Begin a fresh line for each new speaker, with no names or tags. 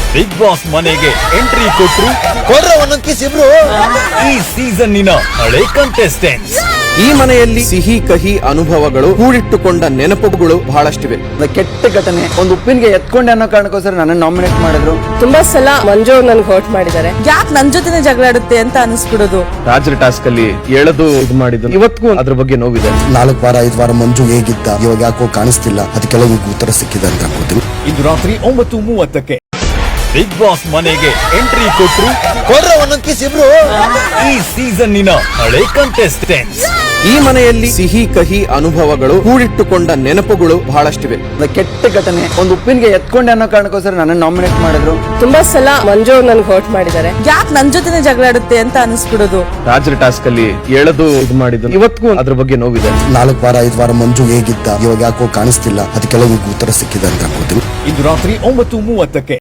Big Boss ಮನೆಗೆ entry ಕೊಟ್ರು
ಒಂದೊಂದ್ ಕಿಸ್ ಇಬ್ರು.
ಈ ಸೀಸನ್ನಿನ ಹಳೆ ಕಂಟೆಸ್ಟೆಂಟ್ಸ್.
ಈ ಮನೆಯಲ್ಲಿ ಸಿಹಿ ಕಹಿ ಅನುಭವಗಳು ಕೂಡಿಟ್ಟುಕೊಂಡ ನೆನಪುಗಳು ಬಹಳಷ್ಟಿವೆ.
ಕೆಟ್ಟ ಘಟನೆ ಒಂದು ಉಪ್ಪಿನಿಗೆ ಎತ್ಕೊಂಡೆ ಅನ್ನೋ ಕಾರಣಕ್ಕೋಸ್ಕರ ನನ್ನ ನಾಮಿನೇಟ್ ಮಾಡಿದ್ರು.
ತುಂಬಾ ಸಲ ಮಂಜು ನನ್ಗೆ ಹರ್ಟ್ ಮಾಡಿದ್ದಾರೆ.
ಯಾಕೆ ನನ್ ಜೊತೆನೆ ಜಗಳ ಆಡುತ್ತೆ ಅಂತ ಅನಿಸ್ಬಿಡೋದು.
ರಾಜರ ಟಾಸ್ಕ್ ಅಲ್ಲಿ ಎಳೆದು ಇದು ಮಾಡಿದ್ದು ಇವತ್ತಿಗೂ ಅದ್ರ ಬಗ್ಗೆ ನೋವಿದೆ.
4 ವಾರ 5 ವಾರ ಮಂಜು ಹೇಗಿದ್ದ, ಇವಾಗ ಯಾಕೋ ಕಾಣಿಸ್ತಿಲ್ಲ. ಅದಕ್ಕೆಲ್ಲ ಈಗ ಉತ್ತರ ಸಿಕ್ಕಿದೆ ಅಂತ ಅನ್ಕೋತೀನಿ.
ಇಂದು ರಾತ್ರಿ 9:30ಕ್ಕೆ ಬಿಗ್ ಬಾಸ್ ಮನೆಗೆ ಎಂಟ್ರಿ ಕೊಟ್ರು
ಒಂದೊಂದ್ ಕಿಸ್ ಇಬ್ರು.
ಈ ಸೀಸನ್ನಿನ ಹಳೆ ಕಂಟೆಸ್ಟೆಂಟ್ಸ್.
ಈ ಮನೆಯಲ್ಲಿ ಸಿಹಿ ಕಹಿ ಅನುಭವಗಳು ಕೂಡಿಟ್ಟುಕೊಂಡ ನೆನಪುಗಳು ಬಹಳಷ್ಟಿವೆ.
ಕೆಟ್ಟ ಘಟನೆ ಒಂದು ಉಪ್ಪಿನಿಗೆ ಎತ್ಕೊಂಡೆ ಅನ್ನೋ ಕಾರಣಕ್ಕೋಸ್ಕರ ನನ್ನ ನಾಮಿನೇಟ್ ಮಾಡಿದ್ರು.
ತುಂಬಾ ಸಲ ಮಂಜು ನನ್ಗೆ ಹರ್ಟ್ ಮಾಡಿದ್ದಾರೆ.
ಯಾಕೆ ನನ್ ಜೊತೆನೆ ಜಗಳ ಆಡುತ್ತೆ ಅಂತ ಅನಿಸ್ಬಿಡೋದು.
ರಾಜರ ಟಾಸ್ಕ್ ಅಲ್ಲಿ ಎಳೆದು ಇದು ಮಾಡಿದ್ದು ಇವತ್ತಿಗೂ ಅದ್ರ ಬಗ್ಗೆ ನೋವಿದೆ.
4 ವಾರ 5 ವಾರ ಮಂಜು ಹೇಗಿದ್ದ, ಇವಾಗ ಯಾಕೋ ಕಾಣಿಸ್ತಿಲ್ಲ. ಅದಕ್ಕೆಲ್ಲ ಈಗ ಉತ್ತರ ಸಿಕ್ಕಿದೆ ಅಂತ ಅನ್ಕೋತೀನಿ.
ಇಂದು ರಾತ್ರಿ 9:30ಕ್ಕೆ